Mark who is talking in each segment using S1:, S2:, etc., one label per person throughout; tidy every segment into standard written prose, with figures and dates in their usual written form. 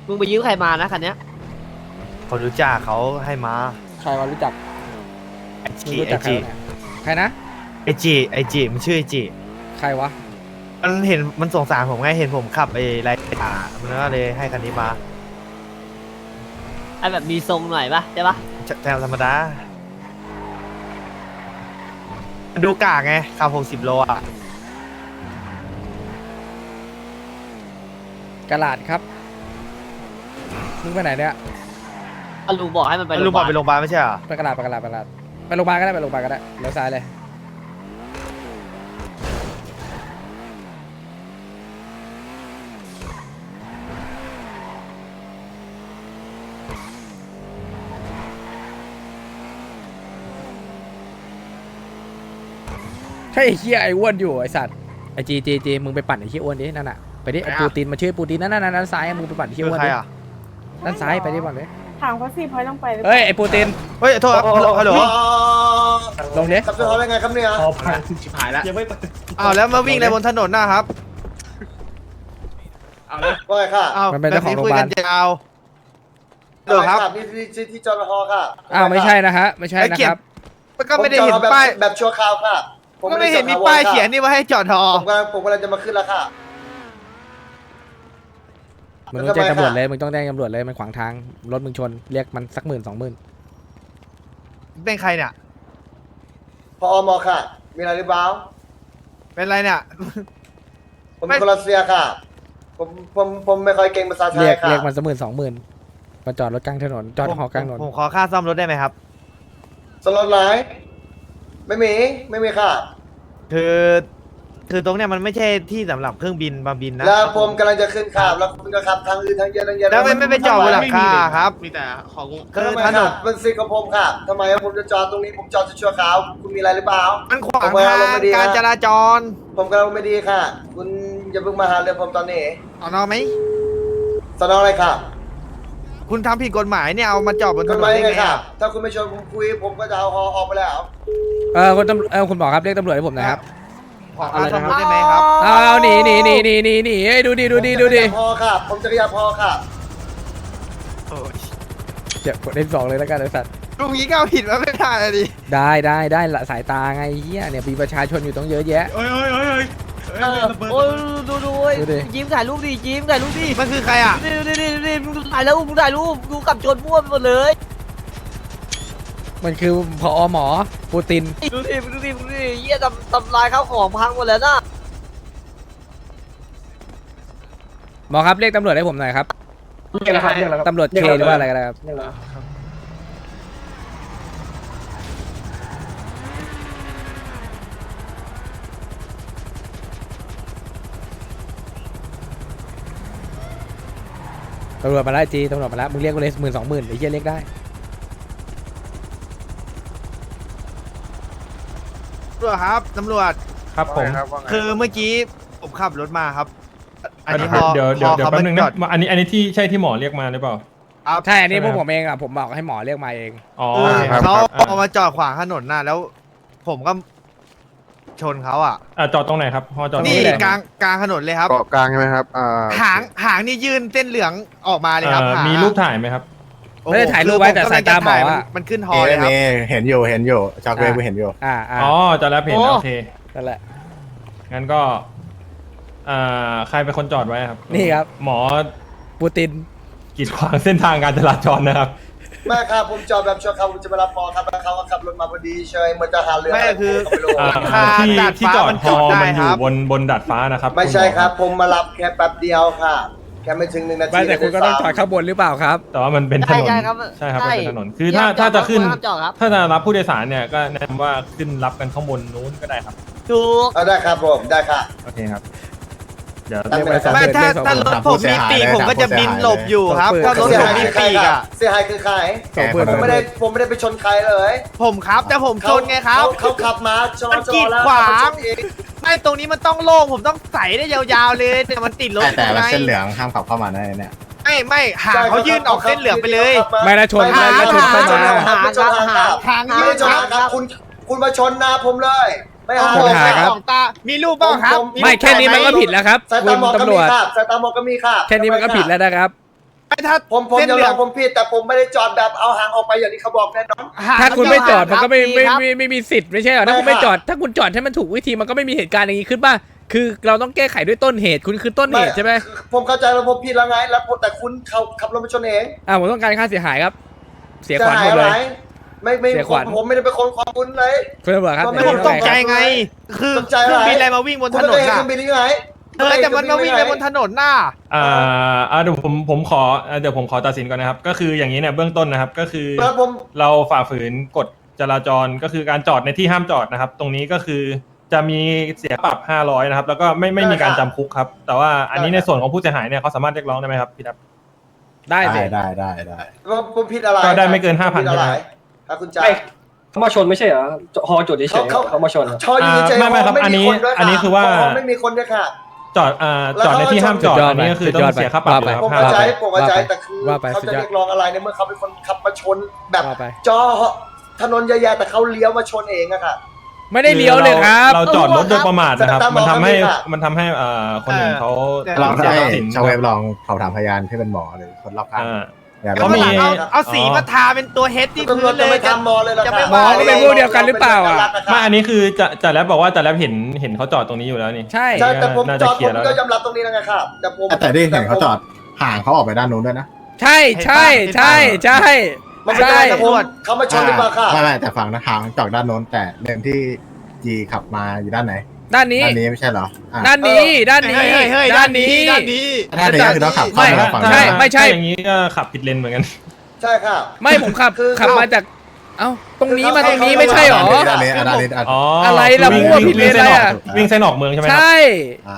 S1: มึงไปยืมใครมานะคันเนี้ย
S2: คนรู้จักเขาให้มา
S3: ใครวะรู้จัก
S2: ไอจี
S3: ใครนะ
S2: ไอจีมันชื่อไอจี
S3: ใครวะ
S2: มันเห็นมันสงสารผมไงเห็นผมขับไอ้ไรขามันก็เลยให้คันนี้มา
S1: ไอแบบมีทรงหน่อยปะใช่ปะ
S2: แต่ธรรมดาดูกากไงขับ60 โลอ่ะ
S3: กระลาดครับมึงไปไหนเนี่ย
S1: ลุงบอกให้มันไป
S2: ลุงบอกไปโรงพยาบาลไม่ใช่เหรอ
S3: ไปกระลาดไปโรงพยาบาลก็ได้ไปโรงพยาบาลก็ได้เลี้ยวซ้ายเลยใช่ไอ้เหี้ยไอ้อ้วนอยู่ไอ้สัตว์ไอ้จีมึงไปปั่นไอ้เหี้ยอ้วนดินั่นน่ะไปดิไอ้ปูตินมาช่วยปูตินนั่นซ้ายมึงไปปั่นไอ้เหี้ยอ้วนดิด้านซ้ายไปดิปั่นเลย
S4: ถามเขาสิพอยต้องไป
S3: เฮ้ยไอ้ปูติน
S2: เฮ้ยโทษฮัลโหล
S3: ลงดิ
S5: ขับจะทำยังไงครับเนี่ย
S6: พอพังชิบหายแล้วยังไม่
S2: อ้าวแล้วมาวิ่งอะไรบนถนนนะครับ
S6: เอาละ
S5: ว่าไงค่ะ
S3: มันเป็นเจ้าของโรงพยาบาล
S2: ยาวเดี๋ยวครับ
S5: นี่ที่จอดฮอค่ะ
S3: ไม่ใช่นะฮะไม่ใช่นะครับ
S2: มันก็ไม่ได้เห็นป้าย
S5: แบบชั่วคราวค่ะ
S2: ก็ไม่เห็นมีป้ายเขียนนี่ว่าให้จอดฮอ
S5: ผมกำลังจะมาขึ้นแล้วค่ะ
S3: มึงต้องแจ้งตำรวจเลยมึงต้องแจ้งตำรวจเลยมันขวางทางรถมึงชนเรียกมันสัก10,000 20,000
S2: เป็นใครเนี่ย
S5: พอมค่ะมีอะไรหรือเปล่า
S2: เป็นไรเนี่ย
S5: ผมเป็นคนรัสเซียค่ะผมไม่ค่อยเก่งภาษาไทยค่ะ
S3: เรียกมันสัก10,000 20,000มาจอดรถกลางถนนจอดหอกลางถนน
S2: ผมขอค่าซ่อมรถได้ไหมครับ
S5: สล็อตไหนไม่มีค่ะ
S2: คือตรงเนี้ยมันไม่ใช่ที่สำหรับเครื่องบินมาบินนะ
S5: แล้วผมกำลังจะขึ้นขับแล้วคุณก็ขับทางอื่นทางเยอะ
S2: แล้วไม่ไปจอดบนหลังคาครับ
S6: มีแต่ของ
S5: คือถนนมันสิกับผมค่ะทำไมผมจะจอดตรงนี้ผมจอดชั่วคราวคุณมีอะไรหรือเปล่า
S2: มันขวางทางการจราจร
S5: ผมกำลังไม่ดีค่ะคุณอย่าเพิ่งมาหาเรื่องผมตอนนี้
S2: เอานอไหม
S5: สนออะไรค่ะ
S2: คุณทำผิดกฎหมายเนี่ยเอามาจอดบนถนนได้ไง
S5: ครับถ้าคุณไม่ชวนผมคุยผมก็จะเอาฮอออกไปแล้ว
S3: คุณหมอครับเรียกตำรวจให้ผมหน่อยครับ
S2: ขอค่าซ่อมรถได้ไหมครับ
S3: เอาหนีเฮ้ยดูดิ
S5: พอครับผมจะขยับพอครับ
S3: เจ็บกดF2เลยแล้วกันไอ้สัตว์
S2: ลุงนี้ก็ผิดว่าไม่ได้ดิ
S3: ได้ละสายตาไงเฮียเนี่ยมีประชาชนอยู่ต้องเยอะแยะ
S6: โอ้
S1: ยดูยิ้มถ่ายรูปดิยิ้มถ่ายรูปดิ
S2: มันคือใครอ่ะ
S1: นี่มึงถ่ายแล้วมึงถ่ายรูปดูกับชนมั่วไปหมดเลย
S3: มันคือผอหมอปูติน
S1: ดูดิเยี่ยทำลายข้าวของพังหมดแล้วนะ
S3: หมอครับเรียกตำรวจให้ผมหน่อยครับ
S6: เรียกแล้ว
S3: ตำรวจเคหรือว่าอะไรกันครับตำรวจมาแล้วตำรวจมาแล้วมึงเรียกกูเลย10,000 20,000ไอ้เหี้ยเรียกได้
S2: ตำรวจครับตำรวจ
S6: ครับผม
S2: คือเมื่อกี้ผมขับรถมาครับ
S6: อันนี้เดี๋ยวแป๊บนึงนะอันนี้ที่ใช่ที่หมอเรียกมาหรือเปล่า
S3: ใช่อันนี้พวกผมเองอ่ะผมบอกให้หมอเรียกมาเอง
S2: เขาเอามาจอดขวางถนนน่ะแล้วผมก็ชนเขาอ่ะ
S6: จอดตรงไหนครับจอด
S2: นี่กลางถนนเลยครับ
S7: เกาะกลางใช่ไหมครับ
S2: หางนี่ยื่นเส้นเหลืองออกมาเลยครับ
S6: มีรูปถ่ายไหมครับ
S3: ไม่ได้ถ่ายรูปไว้แต่สายตาหมอ
S2: มันขึ้นฮอเลยครับ
S7: เห็นอยู่จากเวฟเห็นอยู่
S6: จอดแล้วเห็นโอเค
S3: นั่นแหละ
S6: งั้นก็ใครเป็นคนจอดไว้ครับ
S3: นี่ครับ
S6: หมอ
S3: ปูติน
S6: กีดขวางเส้นทางการจราจรนะครับ
S5: ไม่ครับผมจอดแบบชั่วคราวผมจะมารับพอครับแล้วเขาก็ขับรถมาพอดีเฉยเหมือนจะหาเรื่อง
S2: ไม่คือ
S6: ที่จอดฮอมันอยู่บนดาดฟ้านะครับ
S5: ไม่ใช่ครับผมมารับแค่แป๊บเดียวค่ะแค่ไม่ถึง1 นาที
S3: แต่คุณก็ต้องจอดข้างบนหรือเปล่าครับ
S6: แต่ว่ามันเป็นถนนใช่ครับเป็นถนนคือถ้าจะขึ้นถ้าจะรับผู้โดยสารเนี่ยก็แนะนำว่าขึ้นรับกันข้างบนนู้นก็ได้ครับ
S1: ถูก
S5: ได้ครับผมได้ค่ะ
S6: โอเคครับเดี๋ยว
S2: ไม่ถ้ารถผมมีปีกผมก็จะบินหลบอยู่ครับถ้ารถผมมีปีกอ่ะ
S5: เสียหายคือใครผมไม่ได้ไปชนใครเลย
S2: ผมครับแต่ผมชนไงครับ
S5: เขาขับมาชน
S2: กีดขวางไม่ตรงนี้มันต้องโล่งผมต้องใส่ได้ยาวๆเลยแต่มันติดรถ
S7: แต่เส้นเหลืองห้ามขับเข้ามาได้เนี่ย
S2: ไม่หางเขายื่นออกเส้นเหลืองไปเลย
S3: ไม่ได้ชนเข้ามา
S5: หางยื่นครับคุณมาชนหน้าผมเลยไม่หา
S3: ครับ
S2: มีรูปบ้างครับ
S3: ไม่แค่นี้มันก็ผิดแล้วครับ
S5: คุณตำรวจสายตาหมอกก็มีค่ะ
S3: แค่นี้มันก็ผิดแล้วนะครับ
S2: ถ้า
S5: ผมยอมรับผมผิดแต่ผมไม่ได้จอดแบบเอาหางออกไปอย่างที่เขาบอกแน่นอน
S3: ถ้าคุณไม่จอดมันก็ไม่
S1: ครับ
S3: ไม่มีสิทธิ์ไม่ใช่เหรอถ้าคุณไม่จอดถ้าคุณจอดให้มันถูกวิธีมันก็ไม่มีเหตุการณ์อย่างนี้ขึ้นป่ะคือเราต้องแก้ไขด้วยต้นเหตุคุณคือต้นเหตุใช่ไหม
S5: ผมเข้าใจแล้วผมผิดแล้วไงแล้วแต่คุณเขาขับรถมาชนเอง
S3: ผมต้องการค่าเสียหายครับ เสียขวัญหมดเลย
S5: ไม่
S3: เสียขวัญ
S5: ผมไม่ได้เป็นคนของคุณเลย
S3: คุณตำรวจครับ
S5: ก็ไม่
S2: ผมตกใจไง คือ
S5: ตกใจ
S2: เค
S5: อะไร
S2: รื่องบินอะไรมาวิ่งบน
S5: คุ
S2: ถ
S5: ณ
S2: น
S5: ไม่
S2: น
S5: เคยเห็น
S2: น่ะ
S5: เครื่องบินนี่ไง
S2: แต่มันมาวิ่งไปบนถนนน่ะ
S6: เดี๋ยวผมขอเดี๋ยวผมขอตัดสินก่อนนะครับก็คืออย่างนี้เนี่ยเบื้องต้นนะครับก็คือ
S5: แล้วผม
S6: เราฝ่าฝืนกฎจราจรก็คือการจอดในที่ห้ามจอดนะครับ ตรงนี้ก็คือจะมีเสียปรับ500นะครับแล้วก็ไม่มีการจำคุกครับแต่ว่าอันนี้ในส่วนของผู้เสียหายเนี่ยเขาสามารถเรียกร้องได้ไหมครับพี่ดับ
S3: ได้สิ
S7: ได้
S5: ผมผิดอะไร
S6: ก็ได้ไม่เกิน5,000
S5: ผมผิดอะไรถ้าคุณจ่าย
S4: เขามาชนไม่ใช่เหรอฮอจดเฉยๆเขามาชนเหรอ
S5: ชออยู่เฉยๆ
S6: ไม่ครับ
S5: ไม่มีคนด้วย
S6: อันนี้คือว่า
S5: ไม่มีคนด้วยค่ะ
S6: จอดจอดในที่ห้ามจอดอันนี้ก็คือต้องเสียค่าปรับเลยครับ
S5: ผมเข้าใจผมเข้าใจ
S3: ว่าไป
S5: แต่คือ
S3: ว่าไป
S5: เขา
S3: สุด
S5: จะ
S3: ยอด
S5: เรียกร้องอะไรในเมื่อเขาเป็นคนขับมาชนแบบ
S3: ว่าไป
S5: จอถนนใหญ่ๆแต่เขาเลี้ยวมาชนเองอะค่ะ
S3: ไม่ได้เลี้ยวเลยครับ
S6: เราจอดรถโดยประมาทนะครับ
S5: ตามหม
S6: มั
S5: อน
S6: ทำให้
S5: ครับ
S6: มันทำให้คนอื่นเขา
S7: ลอง
S6: เสีย
S7: ให้
S6: ทรัพย์สิน
S7: ชาวเว็บลองสอบถามพยานที่เป็นหมอหรือคนรอบข้าง อย่า
S2: ก็
S7: ไป
S2: มาหลัง
S6: มี
S2: เอาสีมาทาเป็นตัวเฮดที่
S5: ตำร
S2: พื้
S5: วจ
S2: นเล
S5: จะ
S2: ย
S5: ไม่ทำมอเลยเหรอ
S2: จะไม่
S5: ครับ
S2: ว่า
S3: ก็เป็นพวกเดียวกันหรือเปล่าอะ
S6: ไม่อันนี้คือจะแรปบอกว่าจะแรปเห็นเขาจอดตรงนี้อยู่แล้วนี่
S3: ใช่
S5: ใช่แต่ผม
S6: น่า
S5: จ
S6: จะ
S5: อด
S6: เคลี
S5: ผ
S6: ยร์
S5: ม
S6: แล้ว
S5: ก็ยอมรับตรงนี้แล้วไงครับแต่ผม
S7: แต่ที่เห็นเขาจอดห่างเขาออกไปด้านนู้นด้วยนะ
S3: ใช่ใช่ใช่ใช่
S5: มันไม่
S3: ใช่
S5: ได้แต่ผมเขามาชนหรือเปล่าค่ะ
S7: ไม่แต่ฝั่งนะห่างจากด้านโน้นแต่เลนที่จีขับมาอยู่ด้านไหน
S3: ด้านนี้
S7: ด้านนี้ไม่ใช่เหรออ่ะ
S3: ด้านนี้ด้านนี้
S2: เฮ้ยด้านนี้ด้านนี้
S7: ด้านนี้ก็คือต้องขับเข้า
S3: ไม่
S7: มาฝั่ง
S3: ใช่
S7: นั้น
S3: ไม่ใช่
S6: อย่างนี้ก็ขับผิดเลนเหมือนกัน
S5: ใช่ค่ะ
S3: ไม่ผมขับ
S5: คือ
S3: ขับมาจากเอ้าตรงนี้มาตรงนี้ไม่ใช่หรอ
S7: ด้านนี้ด้านนี้
S6: อ๋อ
S3: อะ
S6: อะไร
S3: ล่ะมั่วผิดเลนอะไรอะ
S6: วิ่งเส้นออกเมืองใช่ไหมค
S3: ใช
S6: รับ่
S7: อ่ะ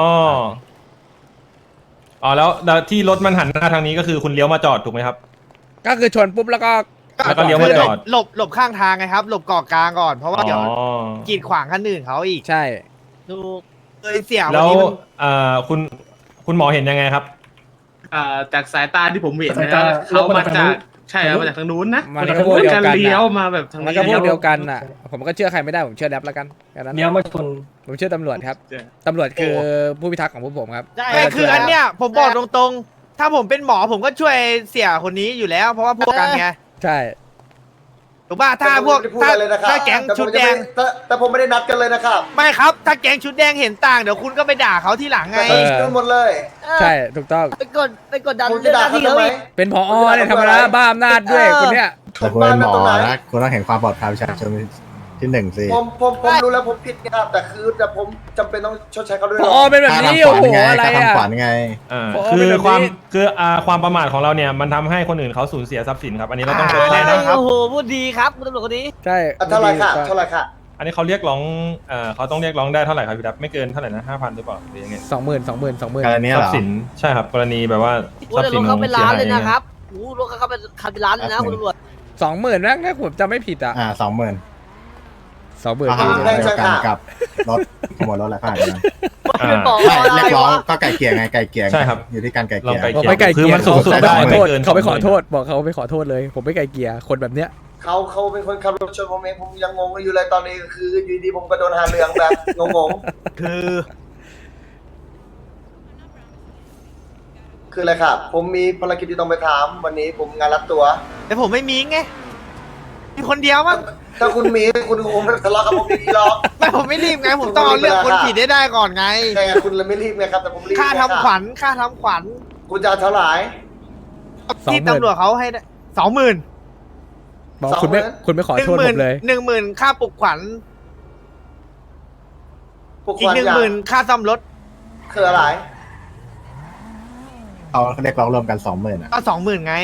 S6: อ๋อแล้วที่รถมันหันหน้าทางนี้ก็คือคุณเลี้ยวมาจอดถูกไหมครับ
S3: ก็คือชนปุ๊บแล้วก็
S6: แล้วก็เลี้ยวมาจอด
S2: หลบข้างทางไงครับ หลบเกาะกลางก่อนเพราะว่าเดี๋ยว
S6: อ๋อ
S2: กีดขวางคันอื่นเขาอีก
S3: ใช่
S1: ถูก
S2: เลยเสียวัน
S6: แล้ว
S2: นี้มัน
S6: คุณหมอเห็นยังไงครับ
S8: จากสายตาที่ผมเห็น
S4: สาย
S8: นะ
S4: ตา
S8: เขามา
S4: ลบมาจากทางนู้
S8: จาก
S4: น
S8: ใช่ครับมาจากทางนู้นนะ
S3: มันก็พวกเดียวกัน
S8: การ
S3: น่ะ
S8: เลี้ยวมาแบบทาง
S3: มัน
S8: นี้
S3: ก็พวกเดียวกันน่ะ ผมก็เชื่อใครไม่ได้ผมเชื่อแรปแล้วกันแค่นั้น
S4: เลี้ยวมาชน
S3: ผมเชื่อตำรวจครับตำรวจคือผู้พิทักษ์ของพวกผมครับ
S1: ใช่
S2: ไม่คืออันเนี้ยผมบอกตรงๆ ถ้าผมเป็นหมอผมก็ช่วยเสียคนนี้อยู่แล้ว เพราะว่าพวกกันไง
S3: ใช่
S2: ถูกป่ะถ้าพวก
S5: แต่ผมไม่ได้พูดอะไรเลยนะครับ
S2: ถ้าแก๊งชุดแดง
S5: แต่ผมไม่ได้นัดกันเลยนะครับ
S2: ไม่ครับ ถ้าแก๊งชุดแดงเห็นต่างเดี๋ยวคุณก็ไปด่าเขาที่หลังไง
S5: กันหมดเลย
S3: ใช่ถูกต้อง
S1: ไปกดดัน
S5: ผม
S1: เรื่
S5: จะ
S1: องห
S5: ด่า
S1: น้า
S5: เขา
S1: ที่
S5: ทำ
S1: เขา
S5: ไม
S1: อีก
S3: เป็นผอเนี่ยธรรมดาบ้าอำนาจด้วยคนเนี้ย
S7: แต่คุณเป็นหมอนะคุณต้องเห็นความปลอดภัยประชาชนที่หนึ่งสิ
S5: ผมรู้แล้วผมผิดนะครับแต่ผมจำเป็นต้องชดใช้เขาด้วย
S3: ผอเป็นแบบนี้โอ้โหอะไร
S7: ค่า
S3: อ่ะ
S7: ทำขวัญไง
S3: โอ้
S6: คือ
S3: เป็นแบบนี้
S6: ความประมาทของเราเนี่ยมันทำให้คนอื่นเขาสูญเสียทรัพย์สินครับ อันนี้เราต้องชดใช้
S2: ได้
S6: นะครับ
S1: โอ้โหพูดดีครับคุณตำรวจคนนี้
S3: ใช่
S5: เท่าไหร่ค่ะเท่าไหร่ค่ะ
S6: อันนี้เขาเรียกร้องเขาต้องเรียกร้องได้เท่าไหร่ครับพี่ดับไม่เกินเท่าไหร่นะ5,000หรือเปล่าหรือยังไง
S3: 20,000
S7: กรณี
S6: ท
S7: เห
S6: รั
S7: ร
S6: พ
S7: อ
S6: ย์สินใช่ครับกรณีแบบว่า
S1: โอ้
S6: ทรัพ
S1: แต่
S6: ย์สิ
S1: ร
S6: น
S1: ถเขาเป็น
S6: เสีย
S1: ล้าน
S6: หาย
S1: เลยนะครับโอ้รถเขาเป็นคันเป็นล้านเลยนะคุณตำรวจ
S3: 20,000นะถ้าผมจำไม่ผิดอ่ะ
S7: 20,000
S3: 20,000
S7: ข้อหาเดียวกันกับรถขโมยรถอะไรข้อหาเดียวกัน
S1: เป็นบอก
S7: ไม่
S1: อะไร
S7: เรียกร้อง
S1: วะ
S7: ก็ไก่เกลี่ยไงไก่เกลี่ย
S6: ใช่ครับ
S7: อยู่ที่การไก่เก
S6: ลอง
S7: ลี่ย
S6: ไก่
S3: ผม
S6: เกลี่
S3: ไม่ไกลเก
S6: คือ
S3: ลี่ย
S6: มันสูงสุด
S3: เขา
S6: ได้
S3: ไปขอ
S6: ไม่
S3: โทษ
S6: เกิน
S3: เขาไปขอ
S6: 20,000
S3: โทษบอกเขาไปขอโทษเลย ผมไม่ไกลเกลี่ยคนแบบเนี้ย
S5: เขาเป็นคนขับรถชนผมเองผมยังงงอยู่เลยตอนนี้คืออยู่ดีผมก็โดนหาเรื่องแบบงง
S2: คือ
S5: คืออะไรครับผมมีภารกิจที่ต้องไปถามวันนี้ผมงานรับตัว
S2: แต่ผมไม่มีไงมีคนเดียวมั้ง
S5: ถ้าคุณมีคุณคงไม่ทะเลาะกับผมอย่างนี้หรอก
S2: ไม่ผมไม่รีบไง ผมต้องเอาเรื่องคนผิดได้ก่อนไง
S5: ใช่ไงคุณเลยไม่รีบไงครับแต่ผมรีบ
S2: ค่าทำขวัญค่าทำขวัญ
S5: คุณจะเอาเท่าไหร่
S2: ที่ตำรวจเขาให้20,000
S3: บอกคุณไม่ขอโทษผมเลย
S2: 10,000ค่าปลุกขวัญ
S5: พวก
S2: อีก
S5: ความอยาก
S2: 10,000ค่าซ่อมรถ
S5: คืออะไร
S7: เขาเรียกร้องรวมกัน 20,000อ่ะ
S2: ก็20,000ไง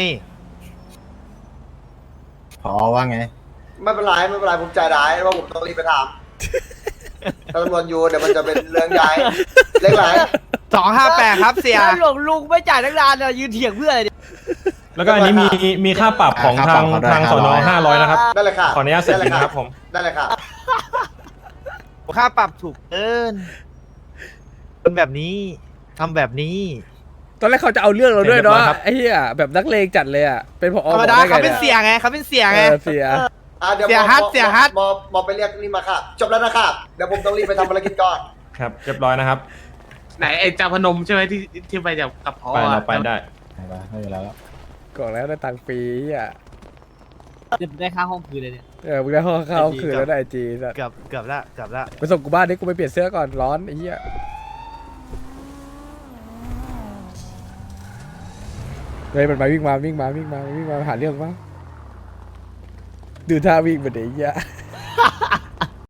S7: พอว่าไง
S5: ไม่เป็นไรผมจ่ายได้ว่าผมต้องรีบไปถามถ้าตำรวจอยู่เดี๋ยวมันจะเป็นเรื่องใหญ่เล็กไหล
S2: 258ครับเสีย
S1: ถ้าหลวงลุงไม่จ่ายทั้งร้านเนี่ยยืนเถียงเพื่ออะไรเนี่ย
S6: แล้วก็อันนี้มีค่าปรับของ
S7: ค่า
S6: ทาง
S7: ปรับเขาด้วย
S6: ทางสน500นะครับ
S5: ได้เลยค่ะ
S6: ขออนุญาตเสร็จบินนะครับผม
S5: ได้เลยค่ะ
S2: ค่าปรับถูกเกินคนแบบนี้ทำแบบนี้
S3: ตอนแรกเขาจะเอาเรื่องเราด้วยเนาะ
S6: เรียบร้อยครับ
S3: ไอ้เหี้ยแบบนักเลงจัดเลยอ่ะเป็นผอ
S2: ธรรมดา
S3: บอกไง
S2: เขาเป็น
S3: นี่ย
S2: เสียไงเขาเป็นเสียไง
S3: เสีย
S5: เดี๋ยว
S2: เสียฮัทเสียฮัท
S5: หมอไปเรียกนี่มาค่ะ จบแล้วนะครับเดี๋ยวผมต้องรีบไปทำภารกิจก่อน
S6: ครับเรียบร้อยนะครับ
S8: ไหนไอ้จาพนมใช่ไหมที่ไปกับพอ
S6: ไปเราไปได้
S7: ไม่เป็นไรแล้ว
S3: ก่อนแล้วได้ตังค์ฟรีอ่ะ
S1: เดี๋ยวได้ค่าห้องคืนเลยเนี่ย
S3: มึงได้ห้องเข้าคืนแล้วได้ไอจีสัตว์
S2: เกือบละ
S3: ไปส่งกูบ้านดิกูไปเปลี่ยนเสื้อก่อนร้อนไอ้เหี้ยเฮ้ยมันมาวิ่งมาหาเรื่องมั้งดูท่าวิ่งมาเดี๋ยวไอ้เหี้ย